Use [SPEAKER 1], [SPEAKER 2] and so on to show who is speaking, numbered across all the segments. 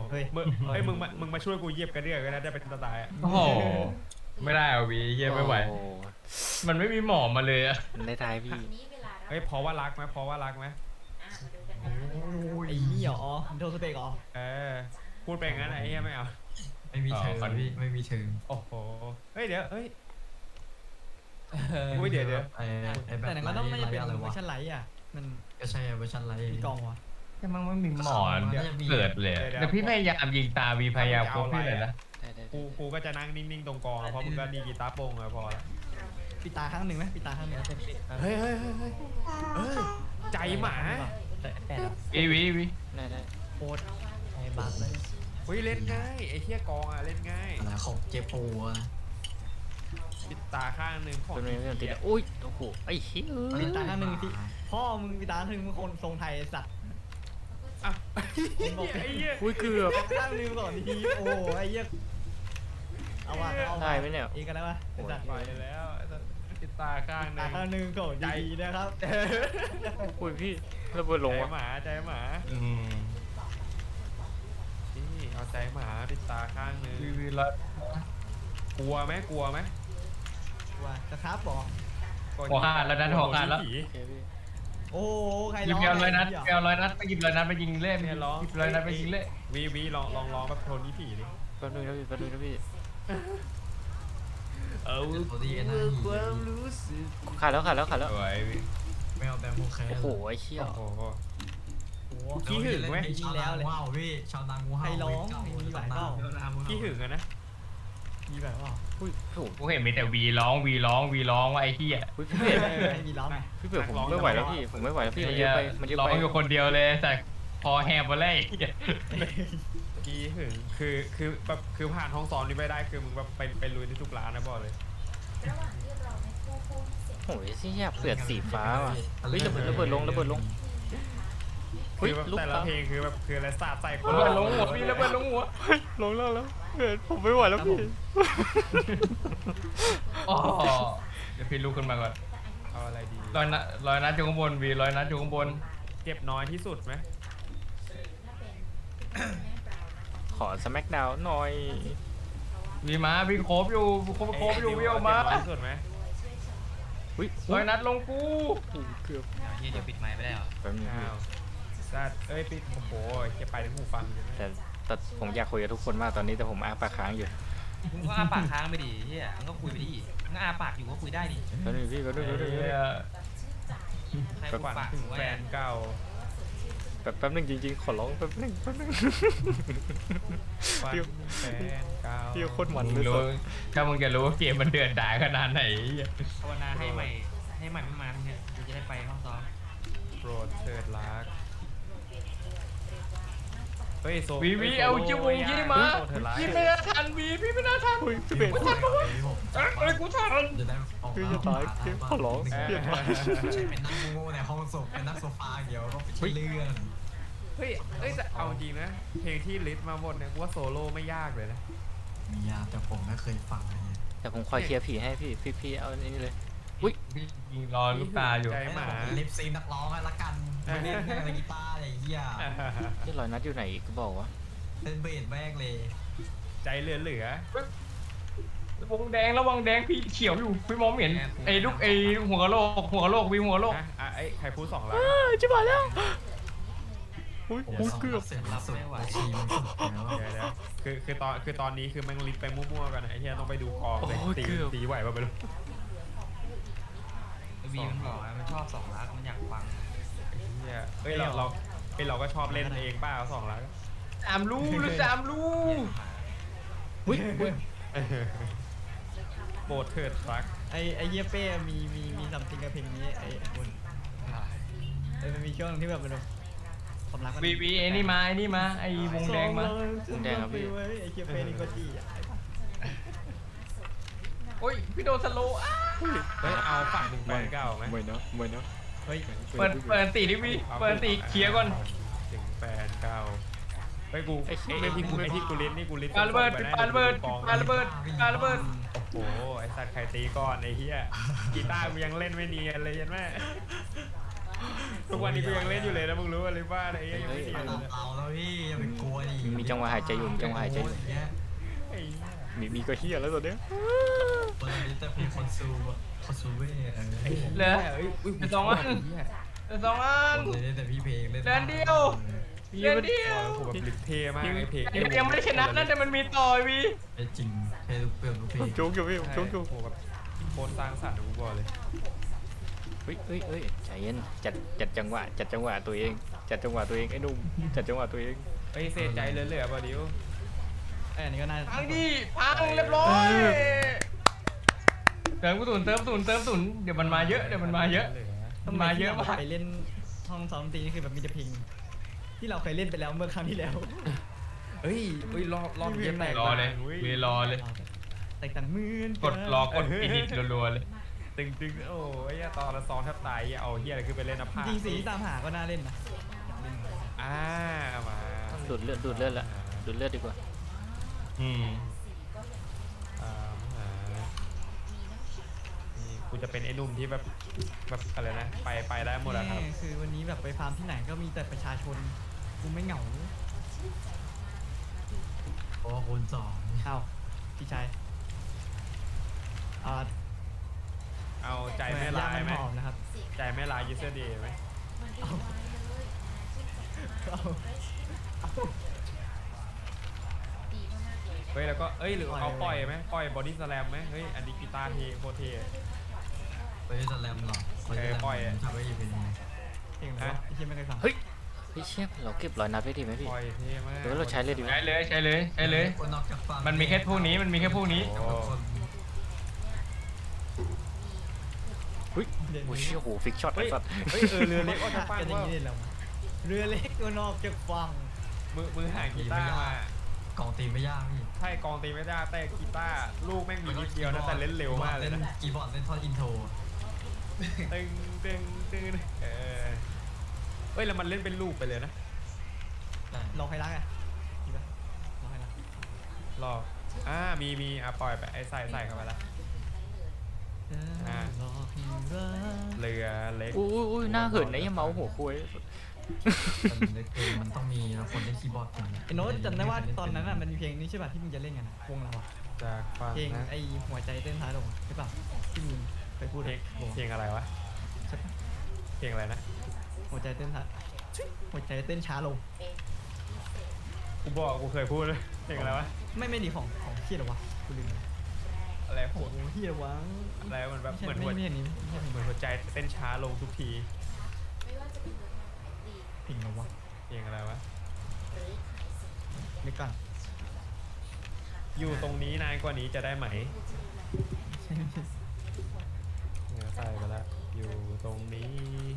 [SPEAKER 1] เฮ้ยมึงมาช่วยกูเหยียบกระเดื่องกันนะได้เป็นตายอ่ะ
[SPEAKER 2] โอ้โหไม่ได้อ่ะวีเฮียไม่ไหว
[SPEAKER 3] โอ้
[SPEAKER 2] มันไม่มีหมอมาเลยอะ
[SPEAKER 3] ในท้ายพี่
[SPEAKER 1] เฮ้ยเพราะว่ารักไหมเพราะว่ารักไหม
[SPEAKER 4] ไอ้นี่เหรอโดนสเปกเหรอ
[SPEAKER 1] พูดไปงั้นไอ้เหี้ยไม่เอา
[SPEAKER 5] ไม่มีเชิงพี่ไม่มีเชิง
[SPEAKER 1] โอ้โหเฮ้ยเดี๋ยวเฮ้ย อุ้ยเดี๋ยว
[SPEAKER 5] ไอ้แบบ
[SPEAKER 4] แต่หนังก็ต้องน่าจะเป็น
[SPEAKER 5] อะไร
[SPEAKER 4] เวอ
[SPEAKER 5] วะ
[SPEAKER 4] ร์ชันไลท์อ่ะมัน
[SPEAKER 5] ก็ใช่เวอร์ชันไลท์
[SPEAKER 4] มีกองวะ
[SPEAKER 2] แต่มันไม่มีหมอเกิดเลยแต่พี่พยายามยิงตาวีพยายามคบพี่เลยนะ
[SPEAKER 3] ได้
[SPEAKER 1] กูก็จะนั่งนิ่งๆตรงกองเพราะมึงก็ดีกีตาร์โปงอะพอละ
[SPEAKER 4] ปิดตาข้างหนึ่งไหมปิดตาข้างหนึ่ง
[SPEAKER 1] เฮ้ยใจหมา
[SPEAKER 4] แปดอ่ะ
[SPEAKER 2] วี
[SPEAKER 3] ได้
[SPEAKER 4] โคตรไอ้บักเลย
[SPEAKER 1] เฮ้ยเล่นง่ายไอ้เหี้ยกองอะเล่นง่าย
[SPEAKER 5] อะไรของเจโปอะ
[SPEAKER 1] ปิดตาข้างหนึ่งของ
[SPEAKER 3] ตัวนี้ไม่ติดอุ้ยโอ้โหไอ้เหี้ย
[SPEAKER 4] ปิดตาข้างหนึ่งที่พ่อมึงปิดตาข้างหนึ่งมึงคนทรงไทยสัตว์
[SPEAKER 1] อ่ะไอ้เหี้ย
[SPEAKER 3] อุ้ยเกือบ
[SPEAKER 4] ข้างหนึ่งก่อนทีโอ้ไอ้เหี้ยเอาว่ะเอา
[SPEAKER 3] ได้ไหมเนี่ย
[SPEAKER 4] อีกกันได้ปะไอ้สัตว์
[SPEAKER 1] ไปแล้วปิดตาข้างห
[SPEAKER 4] ตา
[SPEAKER 1] นึ่ง
[SPEAKER 4] ข้างหนึ่งก่อนดีๆนะครับ
[SPEAKER 3] อุ้ยพี่ระเบิดลง
[SPEAKER 1] ใจ
[SPEAKER 3] วะ
[SPEAKER 1] หมาใจหมา
[SPEAKER 2] อืม
[SPEAKER 1] นี่เอาใจหมาปิดตาข้างหนึ่ง
[SPEAKER 2] วีแล้ว
[SPEAKER 1] กลัวไหม
[SPEAKER 4] ว่าจะครับบอก
[SPEAKER 2] หัวขาดแล้วนะหัวขาดแล้ว
[SPEAKER 3] โอเคพี่
[SPEAKER 4] โอ้ใคร
[SPEAKER 2] หยิบ
[SPEAKER 4] ร้อง
[SPEAKER 2] เอลร้อยนัดเอลร้อยนัดไปหยิบร้อยนัดไปยิงเล่น
[SPEAKER 1] เนี่ยร้อง
[SPEAKER 2] หยิบร้อยนัดไปยิงเล่น
[SPEAKER 1] วีลองแบบโทนี่ผีดิ
[SPEAKER 3] แป๊บนึงนะพี่แป๊บนึงนะพี่
[SPEAKER 5] โอดีเอ็นไอ
[SPEAKER 3] ขาดแล้ว
[SPEAKER 2] สวย
[SPEAKER 5] ไม่เอาแบมโบแคร์
[SPEAKER 3] โอ้โหไอ้เหี้ย
[SPEAKER 1] โอ้โห
[SPEAKER 4] โอ้
[SPEAKER 1] ขี้หึงไหม
[SPEAKER 5] ชาวนางูเห่าพี่ชาวนางูเห่า
[SPEAKER 4] ใครร้องมีหลายเปล่า
[SPEAKER 1] ขี้หึงอะนะ
[SPEAKER 4] มีแบบว่า
[SPEAKER 3] อุ้ยโอ้โห
[SPEAKER 2] กูเห็นมีแต่วีร้องว่าไอ้เหี้ย
[SPEAKER 3] อุ้ยพี่เบียร์
[SPEAKER 4] ไม่มีร้องไง
[SPEAKER 3] พี่เบียร์ผมไม่ไหวแล้วพี่ผมไม่ไหวแล้วพี่มันเยอะไปมันเยอะ
[SPEAKER 2] ร้อ
[SPEAKER 3] ไป
[SPEAKER 2] งอยู่คนเดียวเลยแต่พอแหบมาเลย
[SPEAKER 1] ขี้หึงคือแบบคือผ่านห้องซ้อมนี่ไม่ได้คือมึงแบบไปลุยในทุกร้านนะบอกเลย
[SPEAKER 3] โอ้ยเหี้ยเปลือกสีฟ้าว่ะเฮ้ยระเบิดลง
[SPEAKER 1] คือแบบแต่ละเพลงคือแบบคืออะไรสาดใส่คน
[SPEAKER 2] ระเบิดลงหัวพี่ระเบิดลงหัว
[SPEAKER 3] ลงแล้วผมไม่ไหวแล้วพี่
[SPEAKER 2] อ๋อเดี๋ยวพี่ลุกขึ้นมาก่อน
[SPEAKER 1] เอาอะไรดี
[SPEAKER 2] ร้อยนัดอยู่ข้างบนวีร้อยนัดอยู่ข้างบน
[SPEAKER 1] เจ็บน้อยที่สุดไหม
[SPEAKER 3] ขอสแมกดาวหน่อย
[SPEAKER 2] วีมาวิ่งโคบอยู่วิ่งออกมา
[SPEAKER 1] เจ็บน้อยที่สุดไหม
[SPEAKER 3] อุ้ย
[SPEAKER 2] ร้อยนัดลงกู
[SPEAKER 3] เกือบ
[SPEAKER 6] เดี๋ยวปิดไมค์ไปได้เหรอ
[SPEAKER 3] แป๊บนึง
[SPEAKER 1] อ้าวซาดปิดโอ้โหจะไปถึงหูฟังใช่ไหม
[SPEAKER 3] แต่ผมอยากคุยกับทุกคนมากตอนนี้แต่ผมอ้าปากค้างอยู่
[SPEAKER 6] มึงก็อ้าปากค้างไปดิเฮียมึงก็คุยไปดิมึงก็อ้าปากอยู่ก็คุยได้ดิ
[SPEAKER 3] แป๊บนึงพี่แป๊บนึง
[SPEAKER 6] ใคร
[SPEAKER 1] ฝั
[SPEAKER 6] ปาก
[SPEAKER 1] น
[SPEAKER 6] ปาก
[SPEAKER 1] ถึง
[SPEAKER 6] ไว้
[SPEAKER 1] แฟนเก่า
[SPEAKER 3] แป๊บนึงจริงๆขอร้องแป๊บนึง
[SPEAKER 1] ฝันแฟนเก่า
[SPEAKER 3] พี่โคตรมัน
[SPEAKER 2] มึ
[SPEAKER 3] เล
[SPEAKER 2] ง
[SPEAKER 3] ย
[SPEAKER 2] รู้ถ้ามึงจะรู้ว่าเกมมันเดือดดาลขนาดไหน
[SPEAKER 6] ภาวนาให้ใหม่ไม่มาเนี่ยกูจะได้ไปห้องซ้อม
[SPEAKER 1] โปรดเถิดรักเฮ้ยโซ
[SPEAKER 2] วีเอาจิวงยี่มาพี่ไม่น่าทันวีพี่ไม่น่าทัน
[SPEAKER 3] พี่เบน
[SPEAKER 2] เอ้ยกูทัน
[SPEAKER 5] จะได้ออก
[SPEAKER 3] คือจะตายขอร้อง
[SPEAKER 5] ใช่เป็นนั่งโง่ในห้องศพเป็นนั่งโซฟาเดียวก็ไปชี้เลื่อน
[SPEAKER 1] เฮ้ยแต่เอาจริงนะเพลงที่ลิสต์มาหมดเนี่ยกูว่าโซโล่ไม่ยากเลยนะ
[SPEAKER 5] มียาแต่ผมไม่เคยฟังเลย
[SPEAKER 3] แต่ผมคอยเคลียร์ผีให้พี่เอาอันนี้เลยอุ้ย
[SPEAKER 2] พี่ยิงรอลูกตาอยู่
[SPEAKER 1] ใจหมา
[SPEAKER 5] ลิปซิงนักร้องละกันไม่เล่นอะไรกีตาร์อะไรเงี้ย
[SPEAKER 3] ที่ลอยนัดอยู่ไหนอีกก็บอกว่า
[SPEAKER 5] เล่นเบสแบกเลย
[SPEAKER 1] ใจเหลือ
[SPEAKER 2] วงแดงระวังแดงพี่เขียวอยู่พี่มองไม่เห็นไอ้ลูกไอ้หัวกะโหลกวีหัวกะโหลก
[SPEAKER 1] ใครพูด2 ล้าน
[SPEAKER 3] จิบหายแล้วอุ้ย
[SPEAKER 5] โอ้เกือบเสร็จล่าสุดชีมันสุดแล้ว
[SPEAKER 1] เดี๋ยวคือตอนนี้คือแม่งลิสต์ไปมั่วๆกันนะไอ้เหี้ยต้องไปดูกองเลยตีไหวป่ะไม่รู้
[SPEAKER 6] วีมันบอกมันชอบ2 ล้านมันอยากฟัง
[SPEAKER 1] เนี่ยเฮ้ยเราก็ชอบเล่นเองป้า2 ล้าน
[SPEAKER 2] สามลูก
[SPEAKER 3] อุ้ย
[SPEAKER 1] โปรดเถิดรัก
[SPEAKER 4] ไอ้เหี้ยเป้มีซัมติงกับเพลงนี้ไอ้คุณมันมีช่วงที่แบบมันความรัก
[SPEAKER 2] วีไอ้นี่มาไอ้วงแดงมา
[SPEAKER 4] ไอ้เหี้ยเป้นี่ก็จี้อ่ะ
[SPEAKER 2] โอ้ยพี่โดนสโลว์
[SPEAKER 1] เฮ้ยเอาฝั่งมึงแฟนเก่าไหม
[SPEAKER 3] เหมือนเนาะ
[SPEAKER 4] เฮ้ย
[SPEAKER 2] เปิดตีดิวีเปิดตีเคลียร์ก่อน
[SPEAKER 1] ถึงแฟนเก่าเฮ้ยไอ้ที่กูลิสต์นี่กูลิสต์
[SPEAKER 2] ปาระเบิดปาระเบิด
[SPEAKER 1] โอ้โหไอ้สัตว์ใครตีก่อนไอ้เหี้ยกีตาร์กูยังเล่นไม่เนียนเลยยันแม่ทุกวันนี้กูยังเล่นอยู่เลยนะมึงรู้อะไรบ้างไอ้เหี้ยยังไม่เสีย
[SPEAKER 5] มา
[SPEAKER 1] เลย
[SPEAKER 5] ตามเราแล้วพี่อย่าไปกลัวดิ
[SPEAKER 3] มีจังหวะหายใจอยู่มีจังหวะหายใจอยู่
[SPEAKER 5] เงี้ย
[SPEAKER 1] ไอ้เหี้ย
[SPEAKER 3] มีก็เฮียแล้วตอนเนี้ย
[SPEAKER 5] เปิดลิตรเพลงคอนซูเว่เออ
[SPEAKER 2] เหลือ
[SPEAKER 1] เอ้ยอุ้ย
[SPEAKER 2] สองอันเหลือสองอัน
[SPEAKER 5] เล่นแต่พี่เพลงเล่น
[SPEAKER 2] เดือนเดียวเดือนเดียว
[SPEAKER 1] โอ้โหแบบลิปเทมากไอ้เพลง
[SPEAKER 2] ยังไม่ได้ชนะนั่นแต่มันมีต่อยวี
[SPEAKER 5] จริงเพลงเปลี่ยนทุกเพลง
[SPEAKER 3] จุกอยู่พี่
[SPEAKER 1] ใช่
[SPEAKER 3] จุกอยู่
[SPEAKER 1] โอ้โหแบบโคตรสร้างสรรค์กูบอกเลย
[SPEAKER 3] เฮ้ยใจเย็นจัดจังหวะตัวเองจัดจังหวะตัวเองไอ้หนุ่มจัดจังหวะตัวเอง
[SPEAKER 1] เฮ้ยเสียใจเหลือๆป่ะดิว
[SPEAKER 4] ไอ้อันนี้ก็น่า
[SPEAKER 2] พังดิพังเรียบร้อยเติมกระสุนเติมกระสุนเติมกระสุนเดี๋ยวมันมาเยอะเดี๋ยวมันมาเยอะ
[SPEAKER 4] ทำไ
[SPEAKER 2] มาเยอะมาก
[SPEAKER 4] ไปเล่นห้องซ้อมดนตรีนี่คือแบบมีแต่เพลงที่เราเคยเล่นไปแล้วเมื่อครั้งที่แล้ว
[SPEAKER 1] เฮ้ยรอบเย็นแตก
[SPEAKER 2] รอเลย
[SPEAKER 1] ว้
[SPEAKER 2] วีรอเลย
[SPEAKER 4] แตกต่างหมื่น
[SPEAKER 2] กดรอกดฟินิชรัวๆเลย
[SPEAKER 1] ตึงโอ้ยเหี้ยตอนละซองแทบตายเอาเฮียอะไรขึ้นไปเล่นนะผ้า
[SPEAKER 4] จริงๆสีที่ตามหาก็น่าเล่นนะอยากเล่น
[SPEAKER 1] มา
[SPEAKER 3] ดูดเลือดละดูดเลือดดีกว่า
[SPEAKER 2] อืม
[SPEAKER 1] หานี่กูจะเป็นไอ้หนุ่มที่แบบอะไรนะไปได้หมดอะครับ
[SPEAKER 4] นี่คือวันนี้แบบไปฟาร์มที่ไหนก็มีแต่ประชาชนกูไม่เหงา
[SPEAKER 5] เพราะว่าคนสอง
[SPEAKER 4] เอ้าพี่ชายอ่า
[SPEAKER 1] เอาใจแม่ลายไหม
[SPEAKER 4] หอมนะครับ
[SPEAKER 1] ใจแม่ลายยูเซอร์ดีไหม
[SPEAKER 4] เอาเอา
[SPEAKER 1] เฮ้ยแล้วก็เอ้ยหรือเอาปล่อยไหมปล่อยบอดี้สแลมไหมเฮ้ยอันนี้กีตาร์เทโคตรเท
[SPEAKER 5] ไปสแลมหรอทำไว้อีกเป็นยังไง
[SPEAKER 4] เพลงอะไรวะพี่เชี่ยไม่เคยฟัง
[SPEAKER 3] เฮ้ยเชี่ยเราเก็บรอยนัดไว้ดีไหมพี่
[SPEAKER 1] ปล่อยเทมาก
[SPEAKER 3] หรือว่าเราใช้เลยดีไหม
[SPEAKER 2] ใช้เลยใช้เลยใช้เลย
[SPEAKER 5] คนนอกจากฟัง
[SPEAKER 2] มันมีแค่พวกนี้มันมีแค่พวกนี้
[SPEAKER 3] เฮ้ยโอ้เชี่ยโหฟิกช็อตไอ้
[SPEAKER 1] เฮ้ย
[SPEAKER 3] สัตว์
[SPEAKER 1] เฮ้ยเรือเล็กออกจากฝั่ง
[SPEAKER 4] กันอย่าง
[SPEAKER 1] ว่า
[SPEAKER 4] นี้เลยเหรอวะเรือเล็กตัวนอกจากฝั่ง
[SPEAKER 1] มือหากีตาร์มาก
[SPEAKER 5] องตีไม่ยากพี่
[SPEAKER 1] ใช่กองตีไม่ได้แต่กีตาร์ลูกแม่งมีนิดเดียวนะแต่เล่นเร็วมากเลย
[SPEAKER 5] เล่น
[SPEAKER 1] นะ
[SPEAKER 5] คีย์บอร์ดเล่นท่อนอินโทร
[SPEAKER 1] ตึงเฮ้ยแล้วมันเล่นเป็นลูกไปเลยนะ
[SPEAKER 4] รอใครรักอ่ะดีป่ะรอใครรัก
[SPEAKER 1] รอมีปล่อยไปไอ้ใส่เข้าไปละ
[SPEAKER 4] รอให้รัก
[SPEAKER 1] เรือเล็ก
[SPEAKER 3] อุ้ยหน้าเหินไอ้เมาหัวคุย
[SPEAKER 5] มันต้องมีคนเล่นคีย์บอร์ด
[SPEAKER 4] ไอ้โน้ตจำได้ว่าตอนนั้นอ่ะมันมีเพลงนี้ใช่ป่ะที่มึงจะเล่นกันอะวงเราอะ
[SPEAKER 1] จากฝั่ง
[SPEAKER 4] เพลง
[SPEAKER 1] นะ
[SPEAKER 4] ไอ้หัวใจเต้นท้ายลงใช่ป่ะที่มึงไปพูด
[SPEAKER 1] เพล
[SPEAKER 4] อะ
[SPEAKER 1] งเพลงอะไรวะ
[SPEAKER 4] ใช่ป่ะ
[SPEAKER 1] เพลงอะไรนะ
[SPEAKER 4] หัวใจเต้นท้ายหัวใจเต้นช้าลง
[SPEAKER 1] กูเคยพูดเลยเพลงอะไรวะ
[SPEAKER 4] ไม่ดีของที่หรอวะกูลืม
[SPEAKER 1] อะไร
[SPEAKER 4] โอ้
[SPEAKER 1] พูด
[SPEAKER 4] โหที่หรอวะ
[SPEAKER 1] อะไรมันแบบ
[SPEAKER 4] ไม่
[SPEAKER 1] เหมือน
[SPEAKER 4] ใช่
[SPEAKER 1] หัว
[SPEAKER 4] ไม่ใช่นี้ไม่ใช่เพลง
[SPEAKER 1] เหมือนหัวใจเต้นช้าลงทุกที
[SPEAKER 4] เพลงหรอวะ
[SPEAKER 1] เพลงอะไรวะ
[SPEAKER 4] นึกก่อน
[SPEAKER 1] อยู่ตรงนี้นานกว่านี้จะได้ไหมเนี่ยใส่ไปละอยู่ตรงนี้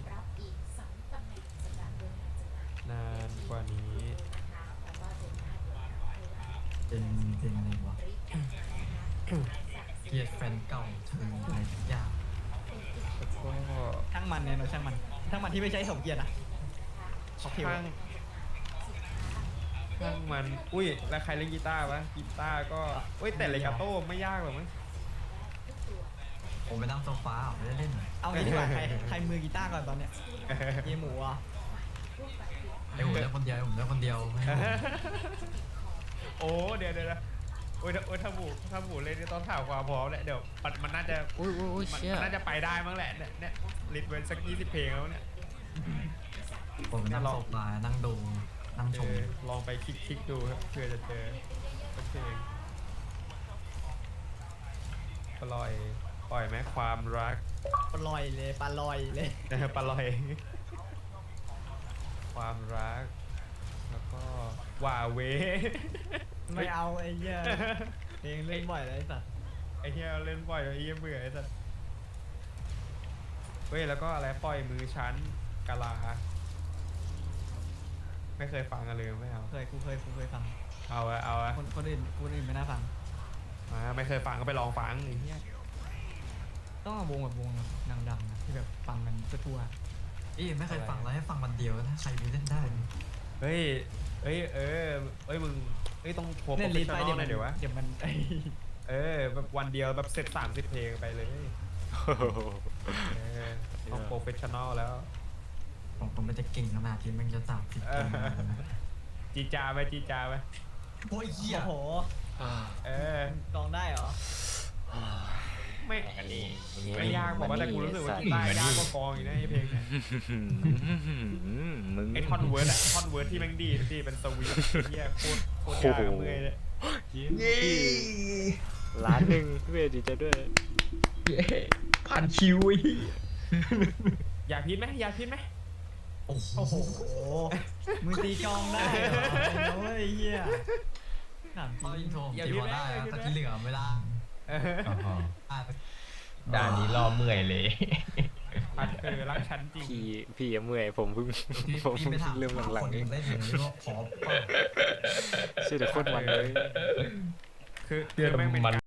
[SPEAKER 1] นานกว่านี้
[SPEAKER 5] เป็นอะไรวะเกลียดแฟนเก่าเธออะไรยาก
[SPEAKER 1] แล้วก็
[SPEAKER 4] ช่างมันเนี่ยเนอะช่างมันที่ไม่ใช่สมเกียรติอะขอเพลง
[SPEAKER 1] ช่างมันอุ้ยแล้วใครเล่นกีตาร์วะกีตาร์ก็อุ้ยแต่เลกาโต้ไม่ยากหรอกมั้ง
[SPEAKER 5] ผมไปนั่งโซฟาไม่ได้เล่น
[SPEAKER 4] เอางี้ดีกว่าใครมือกีตาร์ก่อนตอนเนี้ยเยหมูอ่ะ
[SPEAKER 5] ไอ้ผมเล่นคนเดียวผมเล่นคนเดียว
[SPEAKER 1] โอ้เดี๋ยวโอ้ยถ้าหมูเล่นนี่ต้องถามความพร้อมแหละเดี๋ยวมันน่าจะ
[SPEAKER 3] อุ้ย
[SPEAKER 1] มัน
[SPEAKER 3] เชี่ย
[SPEAKER 1] น่าจะไปได้มั้งแหละเนี่ยลิดเว้นสัก20 เพลงแล้วเนี่ย
[SPEAKER 5] ผมนั่งโซฟานั่งดูนั่งชม
[SPEAKER 1] ลองไปคลิกดูครับเพื่อจะเจอสักเพลงปล่อยไหมความรัก
[SPEAKER 4] ปลอยเลยปลาลอยเลย
[SPEAKER 1] ปล่อย ความรัก แล้วก็ว่าเว
[SPEAKER 4] ไม่เอาไอ้เหี้ยเพลงเล่นบ่อยเลยไอ้สัส
[SPEAKER 1] ไอ้เหี้ยเล่นบ่อยไอ้เหี้ยเบื่อไอ้สัสเฮ้ยแล้วก็อะไรปล่อยมือชั้นกะลา ไม่เคยฟังกันเลยไม่เอา
[SPEAKER 4] กูเคยฟัง
[SPEAKER 1] เอาอะ
[SPEAKER 4] คนอื่นไม่น่าฟัง
[SPEAKER 1] ไม่เคยฟังก็ไปลองฟังไอ้เหี้ย
[SPEAKER 4] ต้องเอาวงแบบวงดังๆนะที่แบบฟังกันทั่ว
[SPEAKER 5] ไม่เคยฟังแล้วให้ฟังวันเดียวถ้าใครมีเล่นได้
[SPEAKER 1] เฮ้ยมึงต้องโพส
[SPEAKER 4] ๆ
[SPEAKER 1] ต์
[SPEAKER 4] เล่น
[SPEAKER 1] โปร
[SPEAKER 4] ลิ
[SPEAKER 1] เฟ
[SPEAKER 4] ส
[SPEAKER 1] ช
[SPEAKER 4] ต์
[SPEAKER 1] ชั่
[SPEAKER 4] ไป
[SPEAKER 1] นอลหน่อยเดี๋ยววะ
[SPEAKER 4] เดี๋ยวมันไอ้
[SPEAKER 1] แบบวันเดียวแบบเสร็จ30 เพลงไปเลยต้องโปรเฟชชั่นอลแล้ว
[SPEAKER 5] ผมมันจะเก่งขนาดที่มันจะ30เกมนะ
[SPEAKER 1] จีจาไปจีจาไป
[SPEAKER 5] โอ้ยเหี้ย
[SPEAKER 4] โอ้โห
[SPEAKER 1] เออ
[SPEAKER 4] กองได้เหรอ
[SPEAKER 1] ไม่
[SPEAKER 6] อันนี้
[SPEAKER 1] ไม่ยากบอกว่าแต่กูรู้สึกว่ากีตาร์ยากกว่ากองอีกนะไอ้เพลงเนี่ย
[SPEAKER 3] มึง
[SPEAKER 1] ไอ้ท่อนเวิร์ดอะท่อนเวิร์ดที่แม่งดีเป็นสวีทเฮียโคตรยากอะเมื่อยเลย
[SPEAKER 3] ล้านหนึ่งเวยดีใจด้วย
[SPEAKER 2] ผ่านคิวไอ้เหี้ย
[SPEAKER 1] อยากพิษไหมอยากพิษไหม
[SPEAKER 5] โอ้โห
[SPEAKER 4] โอ้โหมึงตีกองได้เหรอโอ้ยเฮียถามจ
[SPEAKER 5] ตอน
[SPEAKER 4] ริ
[SPEAKER 5] อิ
[SPEAKER 4] ง
[SPEAKER 5] นโทรผมตีพอได้นะแต่ที่เหลือไม่ได้
[SPEAKER 1] เออ
[SPEAKER 2] ด่านนี้รอเมื่อยเลย
[SPEAKER 1] พัดรักฉันจริง
[SPEAKER 3] พี่ยังเมื่อยผมเพิ่ง
[SPEAKER 5] พี่
[SPEAKER 3] ผม
[SPEAKER 5] พี่
[SPEAKER 3] เพิ่ง
[SPEAKER 5] ไม่ถาม
[SPEAKER 3] เริ่มหลังๆ
[SPEAKER 5] ค
[SPEAKER 3] เอง
[SPEAKER 5] นเล่นอย่างนี้ก็พอ
[SPEAKER 3] ชื่อแต่โคตรมันเลย
[SPEAKER 1] คือแม่งเป็นการ